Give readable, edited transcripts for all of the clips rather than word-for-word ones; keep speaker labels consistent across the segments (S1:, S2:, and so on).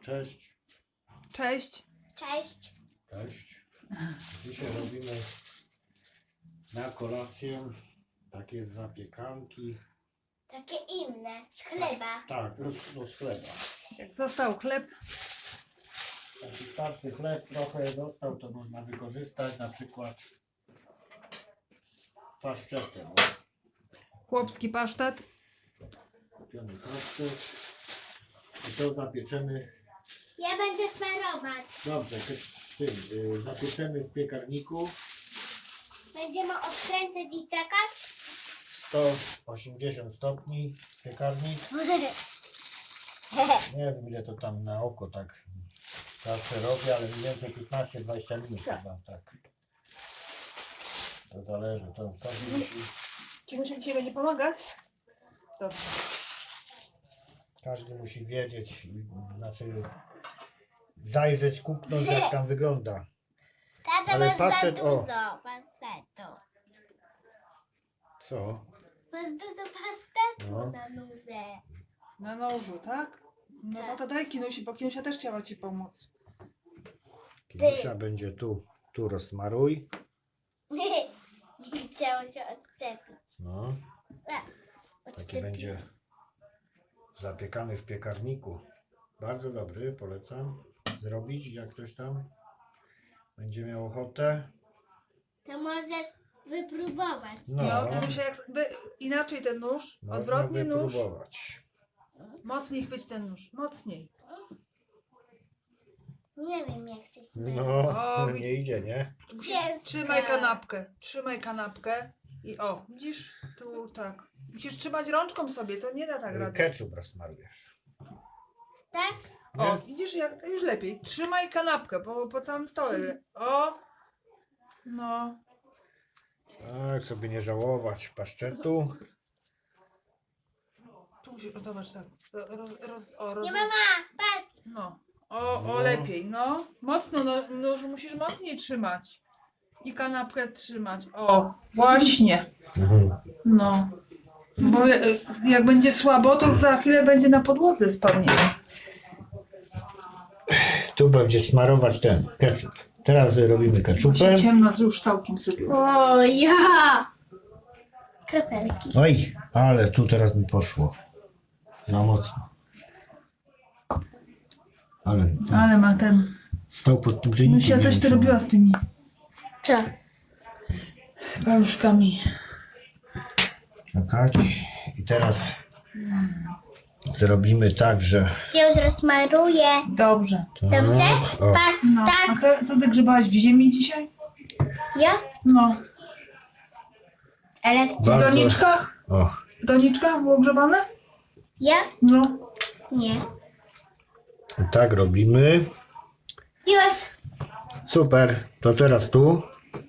S1: Cześć.
S2: Cześć.
S3: Cześć.
S1: Cześć. Dzisiaj robimy na kolację takie zapiekanki.
S3: Takie inne, z chleba.
S1: Tak, z chleba.
S2: Jak został chleb,
S1: Taki starszy chleb trochę został, to można wykorzystać na przykład z paszczetem.
S2: chłopski pasztet.
S1: Kupiony paszczet. I to zapieczemy.
S3: Ja będę smarować.
S1: Dobrze, zapieczemy w piekarniku.
S3: Będziemy odkręcać i czekać.
S1: 180 stopni piekarnik. Nie wiem ile to tam na oko tak zawsze robię, ale mniej więcej 15-20 minut chyba tak. To zależy, to
S2: Kimuś dzisiaj będzie pomagać? Dobrze.
S1: każdy musi wiedzieć, znaczy zajrzeć, kupnąć jak tam wygląda.
S3: Tata,
S1: Ale
S3: masz
S1: pasztet,
S3: za
S1: o.
S3: dużo pastetu.
S1: Co?
S3: Masz dużo pastetu
S1: No.
S3: na nóże.
S2: Na nożu, tak? No to daj Kinusi, bo Kinusia też chciała ci pomóc.
S1: Kinusia będzie tu rozsmaruj.
S3: Nie chciało się odczepić.
S1: No,
S3: A,
S1: taki
S3: odczepić.
S1: będzie zapiekany w piekarniku. Bardzo dobry, polecam zrobić, jak ktoś tam będzie miał ochotę.
S3: To możesz wypróbować.
S2: No, Kinusia, inaczej ten nóż,
S1: Można
S2: odwrotnie nóż.
S1: wypróbować.
S2: Mocniej chwyć ten nóż, mocniej.
S3: Nie wiem jak się śmieje.
S1: No,
S2: O,
S1: nie idzie, nie?
S2: Trzymaj kanapkę i o, widzisz? Tu tak. Musisz trzymać rączką sobie, to nie da tak rady.
S1: Ketchup rozsmarujesz.
S3: Tak?
S2: O,
S1: Nie?
S2: widzisz, jak już lepiej. Trzymaj kanapkę po całym stole. O! No.
S1: Tak, sobie nie żałować paszczetu.
S2: Tu musisz, zobacz tak.
S3: Nie mama, patrz.
S2: No. O
S1: No.
S2: lepiej, no. Mocno, no, że musisz mocniej trzymać. I kanapkę trzymać. O, właśnie. No. Bo jak będzie słabo, to za chwilę będzie na podłodze spadnie.
S1: Tu będzie smarować ten ketchup. Teraz robimy ketchupem.
S2: Ciemno już całkiem zrobiło.
S3: O ja! Kropelki.
S1: Oj, ale tu teraz mi poszło. Za mocno. Ale
S2: Ma ten.
S1: stał pod tym czynnikiem.
S2: Musia coś ty robiła z tymi
S3: Co?
S2: paluszkami.
S1: Czekać. I teraz zrobimy tak, że...
S3: Ja już rozmaruję.
S2: Dobrze.
S3: Dobrze?
S1: O,
S3: Patrz,
S2: No. A
S3: tak.
S2: co ty grzebałaś w ziemi dzisiaj?
S3: Ja?
S2: No.
S3: Ale
S2: W
S1: bardzo...
S2: doniczkach?
S1: O,
S2: W doniczkach było grzebane?
S3: ja?
S2: No.
S3: Nie.
S1: i tak robimy.
S3: Już.
S1: Super. To teraz tu.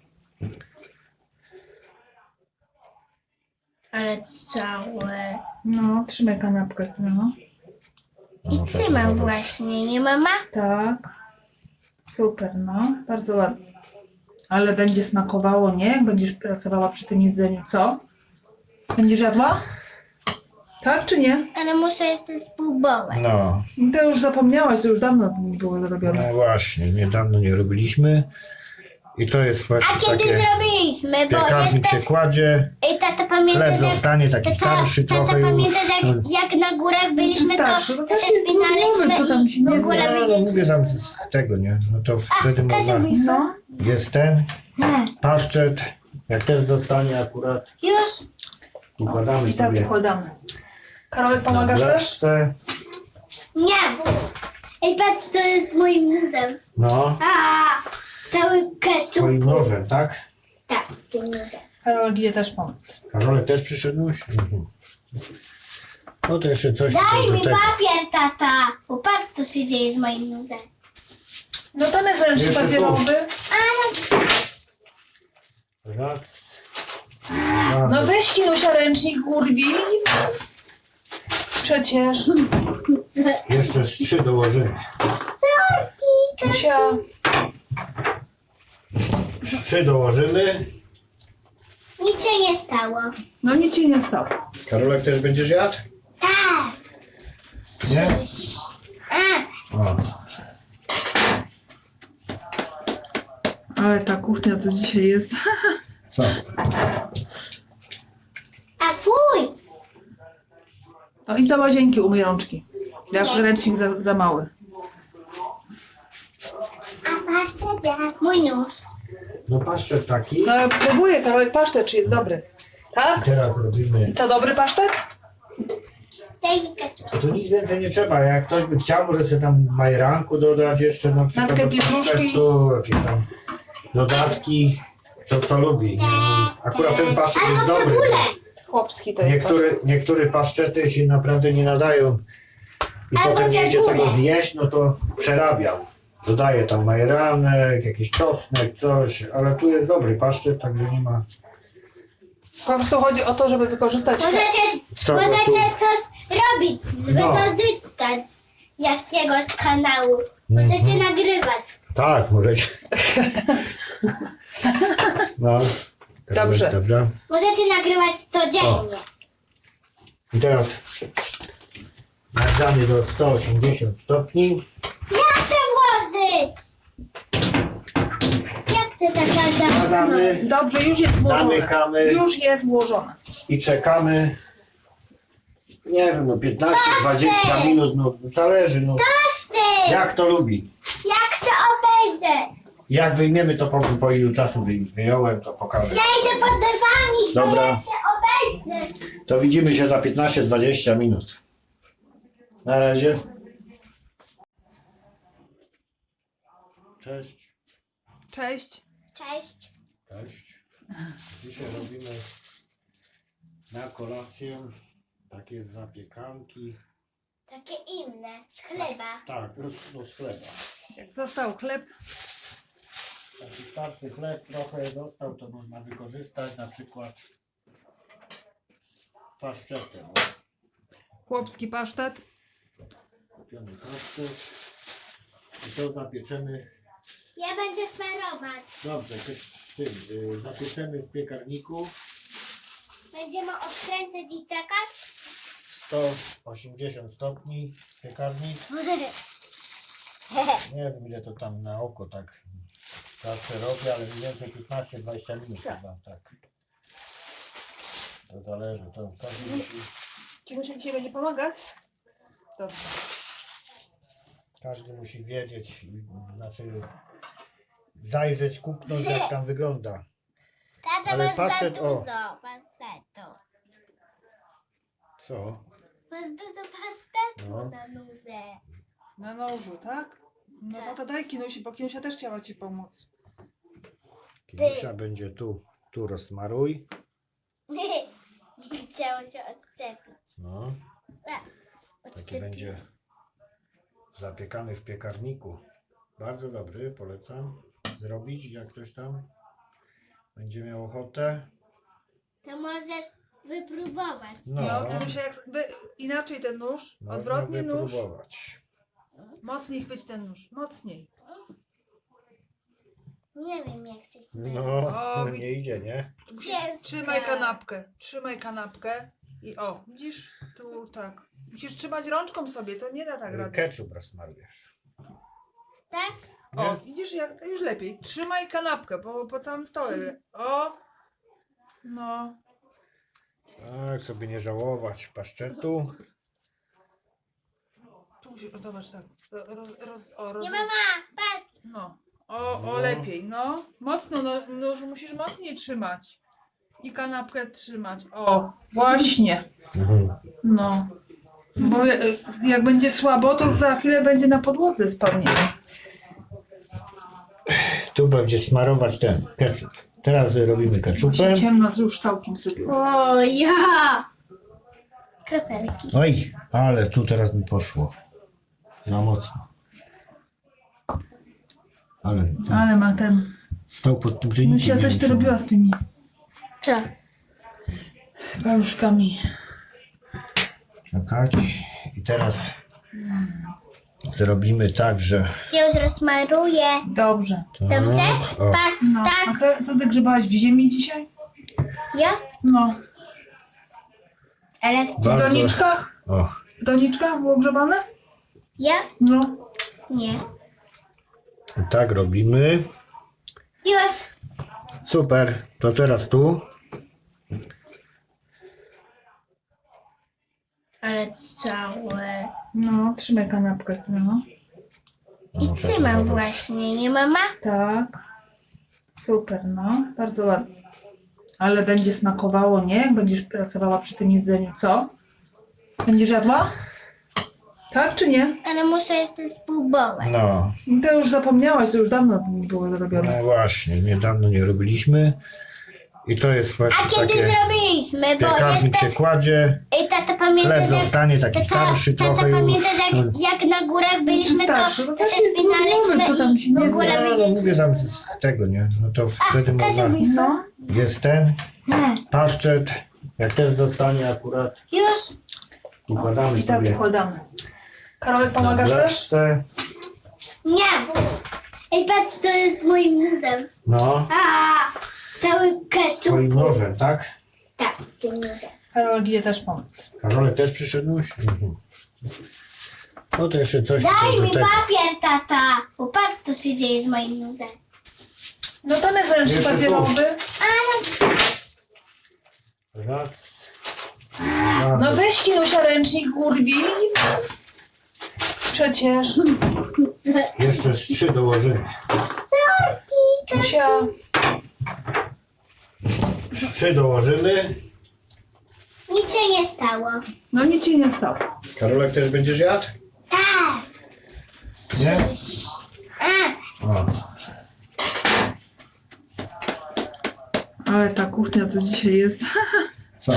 S3: Ale całe.
S2: No, trzymaj kanapkę. No.
S3: I trzymam właśnie, nie mama?
S2: Tak. Super, no. Bardzo ładnie. Ale będzie smakowało, nie? Jak będziesz pracowała przy tym jedzeniu, co? Będziesz jadła? Tak czy nie?
S3: Ale muszę jeszcze spróbować.
S1: No,
S2: To już zapomniałaś, to już dawno było zrobione.
S1: no właśnie. Niedawno nie robiliśmy. I to jest
S3: A
S1: właśnie
S3: kiedy
S1: takie...
S3: zrobiliśmy? Bo
S1: Piekarnik
S3: jestem...
S1: się kładzie.
S3: Ej, tata pamięta,
S1: Chleb zostanie taki starszy
S3: tata
S1: trochę
S3: pamięta,
S1: już.
S3: jak na górach byliśmy,
S2: starszy? No
S3: to
S2: tak
S3: się
S2: jest
S3: spinaliśmy
S2: co tam się
S3: i w
S2: nie
S3: ogóle
S1: No, ale
S3: byliśmy.
S1: mówię tam z tego, nie? No to wtedy można...
S2: No.
S1: Jest ten paszczet. Jak też zostanie akurat,
S3: Już?
S1: układamy
S2: I tak
S1: sobie
S2: wkładamy. Karolek,
S1: na
S2: pomagasz też?
S1: blaszce.
S3: Nie. Ej, patrz, co jest moim nuzem.
S1: No,
S3: Cały ketchup.
S1: swoim nożem, tak?
S3: Tak, z tym nuzem.
S2: Karolek idzie też pomóc.
S1: Karolek też przyszedłeś? Mhm. No to jeszcze coś
S3: Daj
S1: do
S3: mi
S1: tego.
S3: papier, tata. Bo patrz, co się dzieje z moim nuzem.
S2: No tam jest ręcznik
S1: Jeszcze tu.
S2: papierowy.
S1: Raz.
S2: No
S1: Dwa.
S2: weź Kinusia ręcznik, urwij. Przecież.
S1: Jeszcze z 3 dołożymy.
S2: Kinusia.
S1: Z 3 dołożymy.
S3: Nic się nie stało.
S2: No nic się nie stało.
S1: Karolek też będziesz jadł?
S3: Tak.
S1: Nie?
S3: A,
S1: O.
S2: Ale ta kuchnia tu dzisiaj jest.
S1: Co?
S3: A fuj!
S2: No i do łazienki umyj rączki. Jak
S3: Nie.
S2: ręcznik za mały.
S3: A pasztet jak mój nóż.
S1: No paszczet taki.
S2: No próbuję kawałek pasztet, czy jest dobry. Tak?
S1: Teraz robimy.
S2: Co, dobry pasztet?
S3: Daj mi ketchup.
S1: Tu nic więcej nie trzeba. Jak ktoś by chciał, może sobie tam majeranku dodać jeszcze na przykład.
S2: Natkę
S1: do
S2: pietruszki.
S1: pasztetu, jakieś tam dodatki. To co lubi. Nie? Akurat ten paszczet jest
S3: Albo
S1: dobry.
S3: cebulę.
S2: Chłopski to jest pasztet.
S1: Niektóre paszczety się naprawdę nie nadają. I
S3: Albo
S1: potem nie idzie
S3: cebulę.
S1: tego zjeść, no to przerabiam. Dodaję tam majeranek, jakiś czosnek, coś, ale tu jest dobry paszczet, także nie ma.
S2: Po prostu chodzi o to, żeby wykorzystać...
S1: Co go tu?
S3: Możecie coś robić,
S1: No.
S3: wykorzystać jakiegoś kanału. Możecie nagrywać.
S1: Tak, możecie. No.
S2: Dobrze.
S1: Dobra.
S3: Możecie nagrywać codziennie.
S1: I teraz nagrzamy do 180 stopni.
S3: Ja chcę włożyć! Ja chcę tak nagrywać.
S1: Wkładamy
S2: Dobrze, już jest włożone.
S1: Zamykamy.
S2: Już jest włożone.
S1: i czekamy. Nie wiem, no 15-20 minut, no zależy, no
S3: Pasztet!
S1: jak to lubi.
S3: Ja chcę obejrzeć.
S1: Jak wyjmiemy, to powiem po ilu czasu wyjąłem, to pokażę.
S3: Ja idę pod dywanik, bo
S1: Dobra.
S3: ja chcę obejrzeć.
S1: To widzimy się za 15-20 minut. Na razie. Cześć.
S2: Cześć.
S3: Cześć.
S1: Cześć. Dzisiaj robimy na kolację takie zapiekanki.
S3: Takie inne, z chleba.
S1: Tak, no z chleba.
S2: Jak został chleb,
S1: Taki starty chleb trochę został, to można wykorzystać na przykład z paszczetem.
S2: chłopski pasztet.
S1: Kupiony paszczet. I to zapieczemy.
S3: Ja będę smarować.
S1: Dobrze, zapieczemy w piekarniku
S3: Będziemy odkręcać i czekać.
S1: 180 stopni piekarnik. Nie wiem ile to tam na oko tak zawsze robię, ale mniej więcej 15-20 minut chyba tak. To zależy, to każdy musi,
S2: Kimuś dzisiaj będzie pomagać? Dobrze.
S1: każdy musi wiedzieć, znaczy zajrzeć, kupnąć jak tam wygląda.
S3: Tata,
S1: Ale
S3: masz
S1: pasztet,
S3: za
S1: o.
S3: dużo pastetu.
S1: Co?
S3: Masz dużo pastetu
S1: No.
S3: na nóże.
S2: Na nożu, tak? No to daj Kinusi, bo Kinusia też chciała ci pomóc.
S1: Kinusia będzie tu rozmaruj.
S3: Nie chciało się odczepić.
S1: No,
S3: Tak,
S1: taki
S3: odczepić.
S1: będzie zapiekany w piekarniku. Bardzo dobry, polecam zrobić, jak ktoś tam będzie miał ochotę.
S3: To możesz wypróbować.
S1: No,
S2: No, Kinusia, inaczej ten nóż,
S1: można
S2: odwrotnie nóż.
S1: wypróbować.
S2: Mocniej chwyć ten nóż, mocniej.
S3: Nie wiem jak się śmieje.
S1: No,
S2: O,
S1: nie idzie, nie?
S2: Trzymaj kanapkę i o, widzisz? Tu tak. Musisz trzymać rączką sobie, to nie da tak rady.
S1: Ketchup rozsmarujesz.
S3: Tak?
S2: O,
S1: Nie?
S2: widzisz, jak już lepiej. Trzymaj kanapkę po całym stole. O! No.
S1: Tak, sobie nie żałować paszczetu.
S2: Tu musisz, zobacz tak.
S3: Nie mama, patrz.
S2: No.
S1: No.
S2: O, lepiej, no. Mocno, no, musisz mocniej trzymać. I kanapkę trzymać. O, właśnie. No. Bo jak będzie słabo, to za chwilę będzie na podłodze spadnie.
S1: Tu będzie smarować ten ketchup. Teraz robimy
S2: Bo
S1: ketchupem.
S2: się ciemno już całkiem zrobiło.
S3: O ja! Kropelki.
S1: Oj, ale tu teraz mi poszło. Za mocno. Ale
S2: Ale ma ten...
S1: stał pod tym czynnikiem.
S2: Myślę, coś ty robiła z tymi
S3: Co?
S2: paluszkami.
S1: Czekać. I teraz zrobimy tak, że...
S3: Ja już rozmaruję.
S2: Dobrze.
S3: Dobrze?
S1: O,
S3: Patrz,
S2: No.
S3: tak.
S2: A co ty grzebałaś w ziemi dzisiaj?
S3: Ja?
S2: No.
S3: Ale
S2: W
S1: bardzo...
S2: doniczkach?
S1: O,
S2: W doniczkach było grzebane?
S3: ja?
S2: No.
S3: Nie.
S1: i tak robimy.
S3: Już.
S1: Super, to teraz tu.
S3: Ale całe.
S2: No, trzymaj kanapkę, no.
S3: I trzymam właśnie, nie mama?
S2: Tak. Super, no. Bardzo ładnie. Ale będzie smakowało, nie? Jak będziesz pracowała przy tym jedzeniu, co? Będziesz jadła? Tak czy nie?
S3: Ale muszę jeszcze spróbować.
S1: No,
S2: To już zapomniałaś, to już dawno to nie było zrobione.
S1: no właśnie, niedawno nie robiliśmy. I to jest
S3: A
S1: właśnie
S3: kiedy
S1: takie
S3: zrobiliśmy? Bo
S1: piekarnik
S3: jestem...
S1: przekładzie.
S3: I tata pamięta,
S1: Chleb
S3: że...
S1: zostanie taki starszy
S3: Tata
S1: trochę już.
S3: pamięta, że jak na górach byliśmy, to
S2: starszy? No
S3: się
S2: tak jest
S3: spinaliśmy
S2: zdrowy, co tam się
S3: i w
S2: nie
S3: ogóle
S2: zje.
S1: No, ale mówię tam z tego, nie? No to wtedy można...
S2: No.
S1: Jest ten paszczet. Jak też dostanie akurat,
S3: Już.
S1: układamy
S2: I tak
S1: sobie
S2: wkładamy. Karolek,
S1: na
S2: pomagasz też?
S1: blaszce.
S3: Nie. Ej, patrz, co jest moim muzem.
S1: No,
S3: Cały ketchup.
S1: swoim nożem, tak?
S3: Tak, z tym muzem.
S2: Karolek idzie też pomóc.
S1: Karolek też przyszedłeś? Mhm. No to jeszcze coś
S3: Daj
S1: tutaj do
S3: mi
S1: tego.
S3: papier, tata. Bo patrz, co się dzieje z moim muzem.
S2: No tam jest ręcznik
S1: Jeszcze tu.
S2: papierowy.
S1: Raz.
S2: No
S1: Dwa.
S2: weź Kinusia ręcznik, Gurbi. Przecież.
S1: Jeszcze z 3 dołożymy.
S2: Kinusia.
S1: Z 3 dołożymy.
S3: Nic się nie stało.
S2: No nic się nie stało.
S1: Karolek też będziesz jadł?
S3: Tak.
S1: Nie?
S3: A,
S1: O.
S2: Ale ta kuchnia to dzisiaj jest.
S1: Co?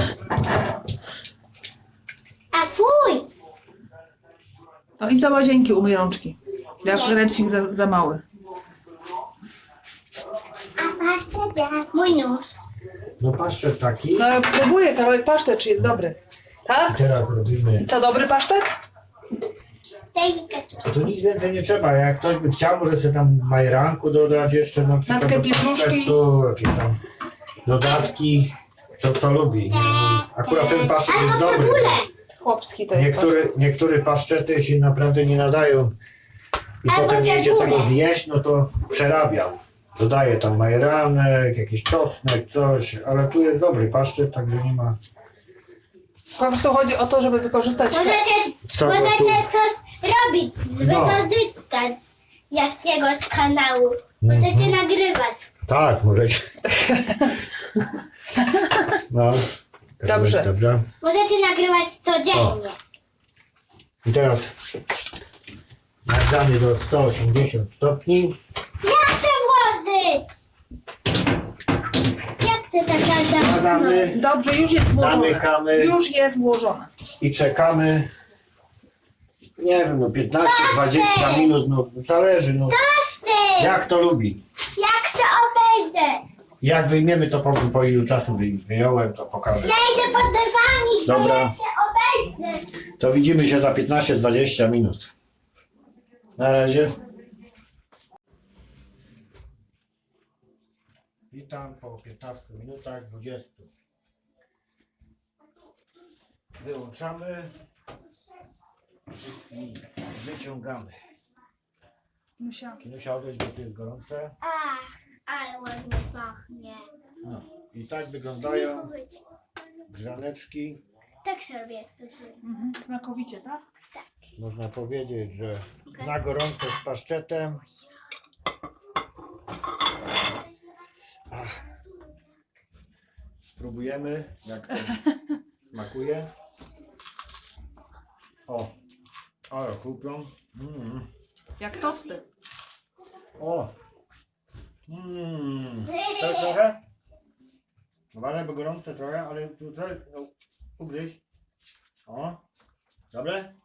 S3: a fuj.
S2: No i do łazienki umyj rączki. Jak ręcznik za mały.
S3: A pasztet jak mój nóż.
S1: No paszczet taki.
S2: No próbuję, Karolek, pasztet, czy jest dobry. Tak?
S1: Teraz robimy.
S2: Co, dobry pasztet?
S3: Daj mi ketchup.
S1: To nic więcej nie trzeba. Jak ktoś by chciał, może sobie tam majeranku dodać jeszcze na przykład
S2: Natkę
S1: do
S2: pietruszki.
S1: pasztetu, jakieś tam dodatki. To co lubi. Akurat ten paszczet jest
S3: Albo
S1: dobry.
S3: cebulę.
S2: Chłopski to jest pasztet.
S1: Niektóre paszczety się naprawdę nie nadają. I
S3: Albo
S1: potem nie idzie
S3: cebulę.
S1: tego zjeść, no to przerabiam. Dodaję tam majeranek, jakiś czosnek, coś, ale tu jest dobry paszczet, także nie ma
S2: Po prostu chodzi o to, żeby wykorzystać...
S1: co go tu...
S3: Możecie coś robić,
S1: No.
S3: wykorzystać jakiegoś kanału. Możecie nagrywać.
S1: Tak, możecie. No.
S2: Dobrze.
S1: Dobra.
S3: Możecie nagrywać codziennie.
S1: I teraz nagrzany do 180 stopni.
S3: Ja chcę włożyć! Ja chcę tak
S1: Wkładamy
S2: Dobrze, już jest włożone.
S1: Zamykamy.
S2: Już jest włożone.
S1: i czekamy. Nie wiem, no 15-20 minut, no zależy, no
S3: Pasztet!
S1: jak to lubi.
S3: Ja chcę obejrzeć!
S1: Jak wyjmiemy to po ilu czasu wyjąłem, to pokażę.
S3: Ja idę pod dywanik, bo
S1: Dobra.
S3: ja chcę obejrzeć.
S1: To widzimy się za 15-20 minut. Na razie. Witam po 15 minutach 20. Wyłączamy i wyciągamy.
S2: Musia.
S1: Kinusia, odejść, bo tu jest gorące.
S3: Ach, ale ładnie pachnie.
S1: No. I tak wyglądają grzaneczki.
S3: Tak się robi, jak ktoś lubi.
S2: Smakowicie, tak?
S1: Można powiedzieć, że na gorąco z paszczetem. Ach. Spróbujemy, jak to smakuje. O, ale chrupią.
S2: Jak tosty.
S1: O, tak trochę. Uważaj, bo gorące trochę, ale tutaj no, ugryź. O, dobre?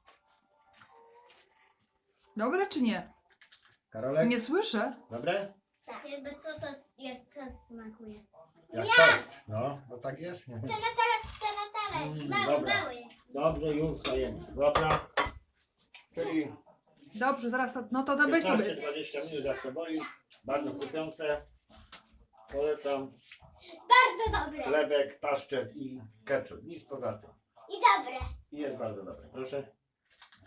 S2: Dobre czy nie?
S1: Karolek,
S2: Nie słyszę.
S1: dobre?
S3: Tak, jakby co to, jak co smakuje.
S1: Jak tost. No, bo tak jest.
S3: Chcę na talerz, mały,
S1: dobra.
S3: mały.
S1: Dobrze, już dajemy. Dobra. Czyli
S2: Dobrze, zaraz, no to weź sobie.
S1: 15-20 minut jak to boli. Bardzo chrupiące. Polecam
S3: Bardzo dobre.
S1: chlebek, paszczet i ketchup. Nic poza tym.
S3: I dobre.
S1: I jest bardzo dobre. Proszę.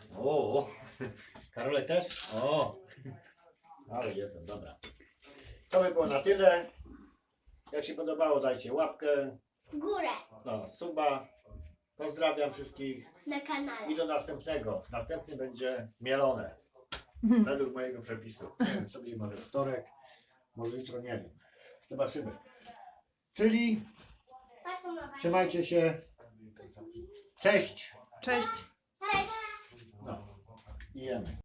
S1: O, Karolek też? O, ale jedzą, dobra. To by było na tyle. Jak się podobało, dajcie łapkę,
S3: W górę
S1: no, suba. Pozdrawiam wszystkich
S3: na kanale.
S1: i do następnego. Następny będzie mielone. Według mojego przepisu. Nie wiem, sobie może wtorek, może jutro, nie wiem. Zobaczymy. Czyli trzymajcie się. Cześć.
S2: Cześć.
S3: Cześć.
S1: No. I jemy.